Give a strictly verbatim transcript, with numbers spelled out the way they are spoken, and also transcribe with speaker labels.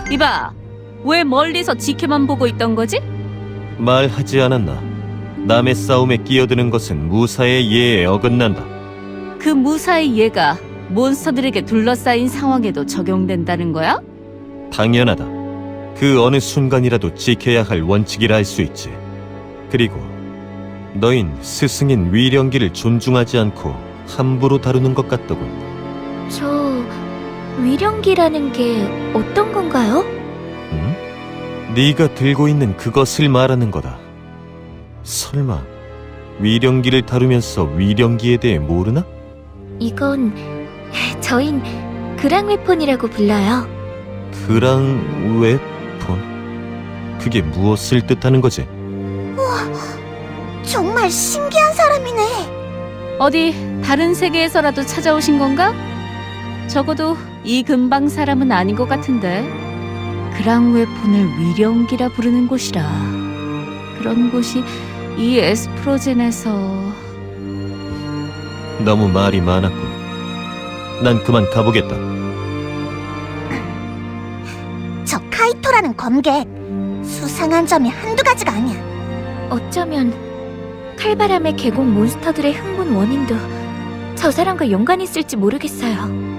Speaker 1: 이봐, 왜 멀리서 지켜만 보고 있던 거지?
Speaker 2: 말하지 않았나? 남의 싸움에 끼어드는 것은 무사의 예에 어긋난다.
Speaker 1: 그 무사의 예가 몬스터들에게 둘러싸인 상황에도 적용된다는 거야?
Speaker 2: 당연하다. 그 어느 순간이라도 지켜야 할 원칙이라 할 수 있지. 그리고 너흰 스승인 위령기를 존중하지 않고 함부로 다루는 것 같더군.
Speaker 3: 저... 위령기라는 게 어떤 건가요?
Speaker 2: 응? 네가 들고 있는 그것을 말하는 거다. 설마 위령기를 다루면서 위령기에 대해 모르나?
Speaker 3: 이건... 저흰 그랑웨폰이라고 불러요.
Speaker 2: 그랑 웨폰? 그게 무엇을 뜻하는 거지?
Speaker 4: 정말 신기한 사람이네.
Speaker 1: 어디 다른 세계에서라도 찾아오신 건가? 적어도 이 근방 사람은 아닌 것 같은데. 그랑웨폰을 위령기라 부르는 곳이라. 그런 곳이 이 에스프로젠에서...
Speaker 2: 너무 말이 많았군. 난 그만 가보겠다.
Speaker 4: 저 카이토라는 검객, 수상한 점이 한두 가지가 아니야.
Speaker 3: 어쩌면 칼바람의 계곡 몬스터들의 흥분 원인도 저 사람과 연관이 있을지 모르겠어요.